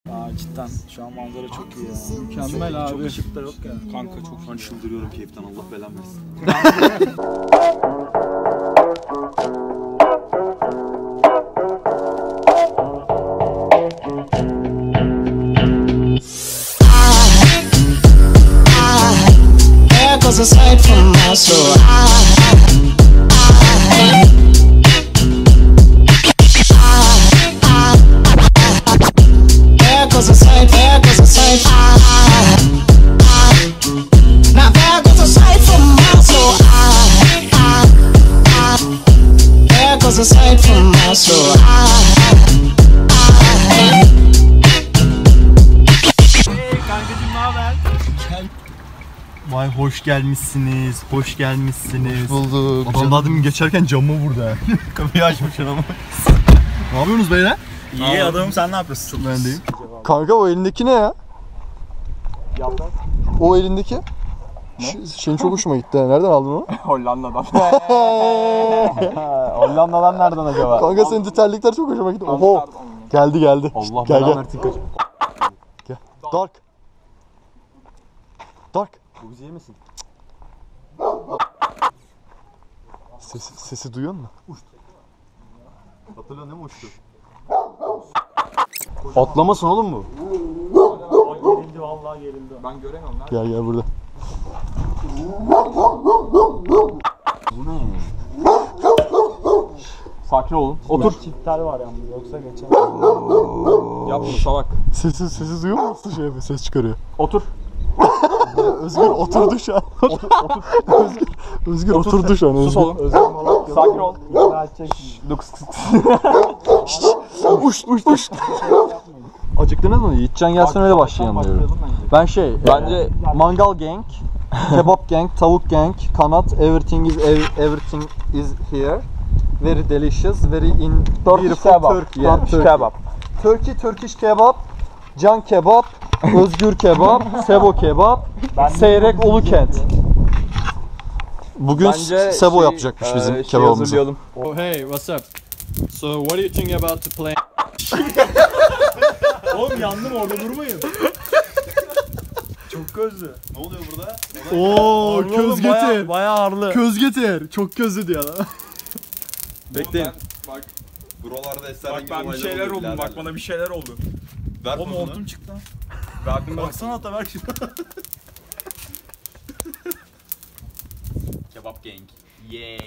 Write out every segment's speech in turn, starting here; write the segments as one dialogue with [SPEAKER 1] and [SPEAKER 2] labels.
[SPEAKER 1] Cidden şu an manzara çok iyi ya.
[SPEAKER 2] Mükemmel abi.
[SPEAKER 1] Çok ışık da yok ya.
[SPEAKER 3] Kanka çok şu an çıldırıyorum keyiften, Allah belamı versin.
[SPEAKER 4] Cause aside from my soul, cause aside, now there goes aside from my soul, there goes aside from my soul.
[SPEAKER 1] Kankacım ne haber?
[SPEAKER 2] Vay hoş gelmişsiniz, hoş gelmişsiniz.
[SPEAKER 5] Hoş bulduk.
[SPEAKER 2] Adam daha demin geçerken camı vurdu ha. Kapıyı açmış ama. Ne yapıyorsunuz beyler?
[SPEAKER 1] İyi adamım, sen ne yapıyorsun?
[SPEAKER 2] Ben deyim.
[SPEAKER 5] Kanka o elindeki ne ya?
[SPEAKER 1] Yaprak.
[SPEAKER 5] O elindeki? Şeyin çok hoşuma gitti. Nereden aldın onu?
[SPEAKER 1] Hollanda'dan. Hollanda'dan nereden acaba?
[SPEAKER 5] Kanka senin de terlikler çok hoşuma gitti. Oho. Geldi.
[SPEAKER 1] Allah
[SPEAKER 5] Gel.
[SPEAKER 1] versin kaçım.
[SPEAKER 5] Gel. Dark.
[SPEAKER 1] Bu bizi yemesin.
[SPEAKER 5] Sesi duyuyor musun?
[SPEAKER 2] Hatırla ne mi uçtu?
[SPEAKER 1] Atlamasın oğlum bu.
[SPEAKER 2] Gerildi vallahi gerildi.
[SPEAKER 1] Ben göremiyorum lan.
[SPEAKER 5] Gel burada.
[SPEAKER 1] Bu ne? Sakin olun. Otur.
[SPEAKER 2] Çiftler var yalnız yoksa geçer.
[SPEAKER 1] Yap bunu salak.
[SPEAKER 5] Sesi duyuyor musun? Şey yapıyor, ses çıkarıyor.
[SPEAKER 1] Otur.
[SPEAKER 5] Özgür oturdu şu an. Özgür oturdu şu an.
[SPEAKER 1] Sus oğlum. Sakin ol.
[SPEAKER 5] Uş. Acıktınız mı? Yiğitcan gelsin öyle başlayalım diyorum. Ben bence mangal gang, kebap gang, tavuk gang, kanat, everything is here. Very delicious, very beautiful Turkey. Yeah, Turkish kebap, can kebap, Özgür kebap, Sebo kebap, Seyrek Ulukent. Bugün Sebo yapacakmış bizim kebabımızı.
[SPEAKER 2] Oh hey, what's up? So what do you think about the plan? Oğlum yandım, orada durmayın. Çok közlü.
[SPEAKER 3] Ne oluyor burada?
[SPEAKER 2] Oo, köz getir.
[SPEAKER 1] Bayağı ağırlı.
[SPEAKER 2] Köz getir. Çok közlü diyor lan.
[SPEAKER 3] Bekleyin. Bak. Buralarda esrarengiz
[SPEAKER 1] Bak ben bir şeyler oldu. Bak bana bir şeyler oldu.
[SPEAKER 3] Ver
[SPEAKER 1] O
[SPEAKER 3] pozunu.
[SPEAKER 1] montum çıktı lan. Verdim baksana hatta ver şunu.
[SPEAKER 3] Kebap gang. Yay.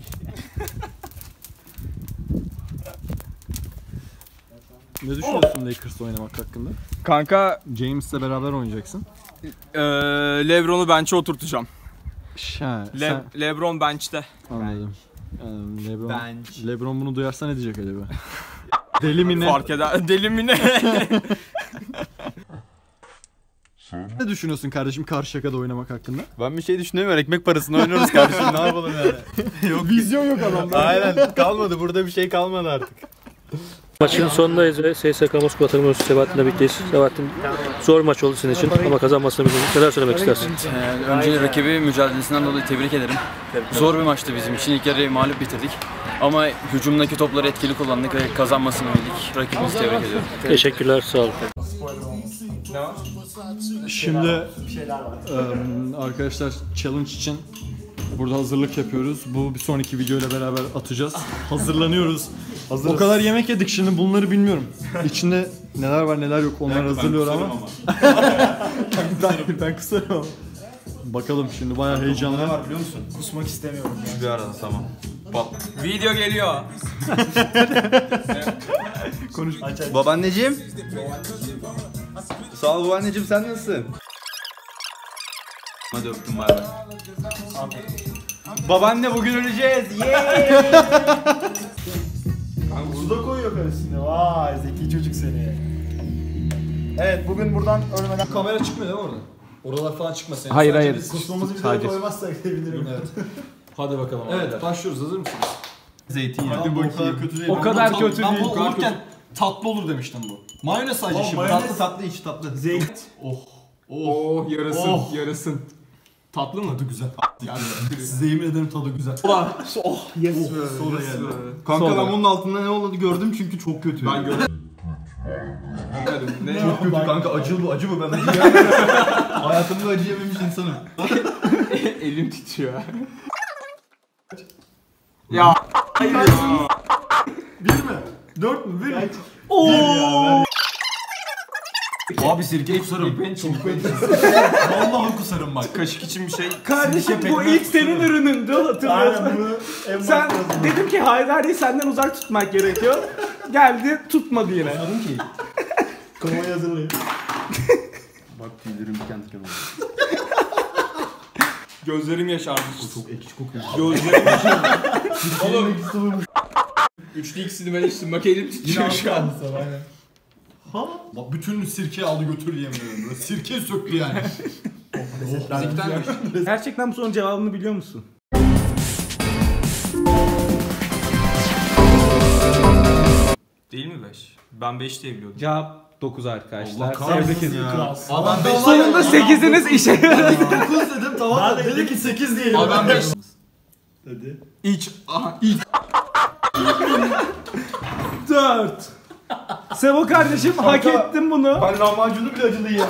[SPEAKER 2] Ne düşünüyorsun Lakers'ta oynamak hakkında?
[SPEAKER 1] Kanka
[SPEAKER 2] James'le beraber oynayacaksın.
[SPEAKER 1] Lebron'u bench'e oturtacağım.
[SPEAKER 2] Sen
[SPEAKER 1] Lebron bench'te.
[SPEAKER 2] anladım. Yani
[SPEAKER 3] Bench.
[SPEAKER 2] Lebron bunu duyarsa ne diyecek acaba? Deli mi ne?
[SPEAKER 1] Fark eder. Deli mi ne?
[SPEAKER 2] Ne düşünüyorsun kardeşim Karşıyaka'da oynamak hakkında?
[SPEAKER 3] Ben bir şey düşünemiyorum. Ekmek parasını oynuyoruz kardeşim. Ne yapalım yani?
[SPEAKER 2] Yok vizyon yok adamda.
[SPEAKER 3] Aynen. Kalmadı. Burada bir şey kalmadı artık.
[SPEAKER 6] Maçın sonundayız ve SSK Moskova takımımız Sebahattin'le birlikteyiz. Sebahattin zor maç oldu senin için ama kazanmasını bildin. Neler söylemek istersin?
[SPEAKER 7] Önce rakibi mücadelesinden dolayı tebrik ederim. Zor bir maçtı bizim için. İlk yarıyı mağlup bitirdik. Ama hücumdaki topları etkili kullandık ve kazanmasını bildik. Rakibimizi tebrik ediyorum.
[SPEAKER 6] Teşekkürler, sağ olun.
[SPEAKER 2] Şimdi arkadaşlar challenge için burada hazırlık yapıyoruz. Bu bir sonraki videoyla beraber atacağız. Hazırlanıyoruz. O kadar yemek yedik şimdi bunları bilmiyorum. İçinde neler var neler yok onlar hazırlıyor ama. ben kusarım ama. Bakalım şimdi bayağı heyecanlı.
[SPEAKER 3] Ne var biliyor musun?
[SPEAKER 1] Kusmak istemiyorum.
[SPEAKER 3] Bir arada tamam.
[SPEAKER 1] Video geliyor.
[SPEAKER 2] Konuş.
[SPEAKER 3] Babaanneciğim. Sağ ol babaanneciğim, sen nasılsın? Hadi öptüm bay bay. Babaanne bugün öleceğiz.
[SPEAKER 1] Kanka burada koyuyor karısını. Vay zeki çocuk seni. Evet bugün buradan ölmeden...
[SPEAKER 2] Kamera çıkmıyor değil mi orada? Oralar falan çıkmasın.
[SPEAKER 1] Hayır. Kusmamızı bir daha koymazsak sevinirim.
[SPEAKER 2] Evet. Hadi bakalım. Evet başlıyoruz, hazır mısınız?
[SPEAKER 3] Zeytinyağı.
[SPEAKER 2] Hadi bakayım. O kadar kötü değil.
[SPEAKER 1] O kadar kötü
[SPEAKER 2] Ben
[SPEAKER 1] değil.
[SPEAKER 2] bu olurken tatlı olur demiştim bu. Mayonez sadece şimdi.
[SPEAKER 3] Tatlı içi tatlı.
[SPEAKER 2] Zeyt.
[SPEAKER 1] Oh yarasın
[SPEAKER 2] Oh.
[SPEAKER 1] yarasın. Tatlı mı?
[SPEAKER 2] Tadı güzel. Yani size yemin ederim tadı güzel.
[SPEAKER 1] Yes be.
[SPEAKER 2] Soda geldi.
[SPEAKER 3] Kanka ben bunun altında ne olduğunu gördüm çünkü çok kötü. Ben gördüm. Ne? Çok kötü kanka, acı bu, acı bu. Ben acı yemedim. Hayatımda acı yememiş insanım.
[SPEAKER 8] Elim titriyor. Ya. Hayır ya.
[SPEAKER 1] 1 mi? 4 mü? 1 mi?
[SPEAKER 3] Abi sirkeyi kusarım. Vallahi kusarım bak.
[SPEAKER 8] Kaşık için bir şey.
[SPEAKER 9] Kardeşim bu ilk senin ürünündü, hatırlıyorsun.
[SPEAKER 1] Aynen bunu en
[SPEAKER 9] Sen
[SPEAKER 1] başta yazdım.
[SPEAKER 9] dedim ki Haydari'yi senden uzak tutmak gerekiyor. Geldi tutmadı yine.
[SPEAKER 3] Anladın ki.
[SPEAKER 1] Konvoyu hazırlayın.
[SPEAKER 3] Bak tüylerim diken diken oldu.
[SPEAKER 8] Gözlerim yaşardı.
[SPEAKER 3] Çok ekşi kokuyor.
[SPEAKER 8] Gözlerim yaşardı. Oğlum. 3'lü ikisini ben içtim. Bak elim titriyor şu an.
[SPEAKER 1] Aynen.
[SPEAKER 3] Bak bütün sirkeyi aldı götürdü yemin ederim. Böyle sirke söktü yani.
[SPEAKER 8] Fizikten mi?
[SPEAKER 9] Gerçekten bu sorunun cevabını biliyor musun?
[SPEAKER 8] Değil mi 5? Ben 5 diye biliyordum.
[SPEAKER 9] Cevap 9 arkadaşlar.
[SPEAKER 3] Allah kahretsin ya. Adam 5
[SPEAKER 9] Sonunda 8'iniz işe yaradı.
[SPEAKER 3] 9 dedim tamam
[SPEAKER 1] Ben
[SPEAKER 3] da
[SPEAKER 1] de
[SPEAKER 3] dedi ki 8 diyelim.
[SPEAKER 8] Adam 5.
[SPEAKER 1] Hadi.
[SPEAKER 3] İç. Aha iç.
[SPEAKER 9] 4. Sebo kardeşim hak ettin bunu.
[SPEAKER 1] Ben lahmacunu bile acılı yiyemedim.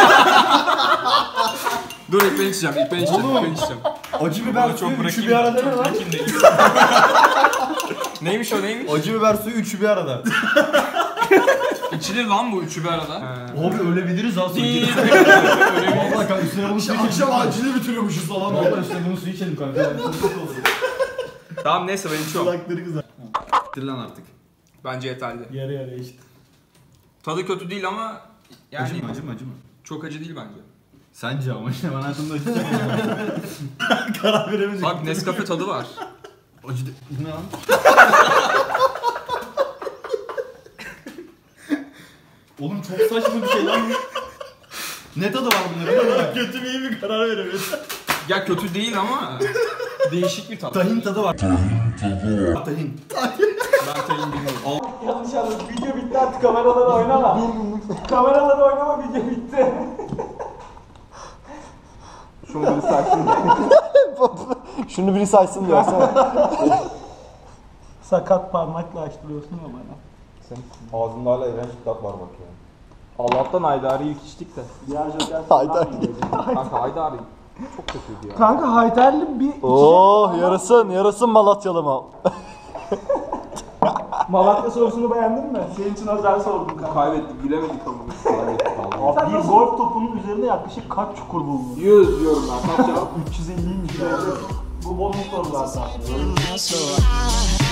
[SPEAKER 8] Dur ilk ben içeceğim. İlk ben içeceğim. İlk ben içeceğim.
[SPEAKER 1] Acı biber
[SPEAKER 8] Çok
[SPEAKER 1] suyu üçü
[SPEAKER 8] bırakayım.
[SPEAKER 1] bir arada ne lan?
[SPEAKER 8] Bırakayım da içeyim. Neymiş o neymiş?
[SPEAKER 3] Acı biber suyu üçü bir arada.
[SPEAKER 8] İçilir lan bu üçü bir arada.
[SPEAKER 3] Abi ölebiliriz ha
[SPEAKER 8] Değil.
[SPEAKER 3] Valla kanka üstüne bunu suyu akşam acılı bitiriyormuşuz falan. Valla üstüne bunu suyu içelim kanka.
[SPEAKER 8] Tamam neyse ben içiyorum.
[SPEAKER 1] Kulakları kızar.
[SPEAKER 3] Bitir lan artık.
[SPEAKER 8] Bence yeterli.
[SPEAKER 1] Yarı yarıya işte.
[SPEAKER 8] Tadı kötü değil ama yani
[SPEAKER 3] Acı mı acı mı acı mı?
[SPEAKER 8] çok acı değil bence.
[SPEAKER 3] Sence ama işte ben hayatımda acı yemedim.
[SPEAKER 1] Karar veremeyecek.
[SPEAKER 8] Bak Nescafe tadı var.
[SPEAKER 3] Acı de... Bu ne lan?
[SPEAKER 1] Oğlum çok saçma bir şey lan.
[SPEAKER 3] Ne tadı var bunların?
[SPEAKER 1] Kötü mü iyi mi karar veremedim.
[SPEAKER 8] Ya kötü değil ama değişik bir tat.
[SPEAKER 3] Tahin tadı var. Tahin.
[SPEAKER 8] Ben tayin bilmiyorum.
[SPEAKER 9] Yanlış anladım. Video bitti artık kameraları oynama. Kameraları oynama, video bitti.
[SPEAKER 5] Şunu biri saysın. Şunu biri saysın diyorsan.
[SPEAKER 9] Sakat parmakla açtırıyorsun ya bana.
[SPEAKER 5] Ağzında hala iğrenç bir tat var bak ya. Allah'tan Haydari ilk içtik de.
[SPEAKER 9] Diğer joker
[SPEAKER 5] Haydari. Kanka Haydari çok kötüydü ya.
[SPEAKER 9] Kanka Haydarlı bir
[SPEAKER 5] Oh yarasın Malatyalı mal.
[SPEAKER 9] Malatya sorusunu beğendin mi? Senin için özel sordum kanka.
[SPEAKER 8] Kaybettik, bilemedik ama.
[SPEAKER 9] Abi bir golf topunun üzerinde yaklaşık kaç çukur bulunur?
[SPEAKER 8] 100 diyorum ben. Kaç cevap?
[SPEAKER 9] 350'ymiş. Bu bonus sorular zaten.
[SPEAKER 4] So I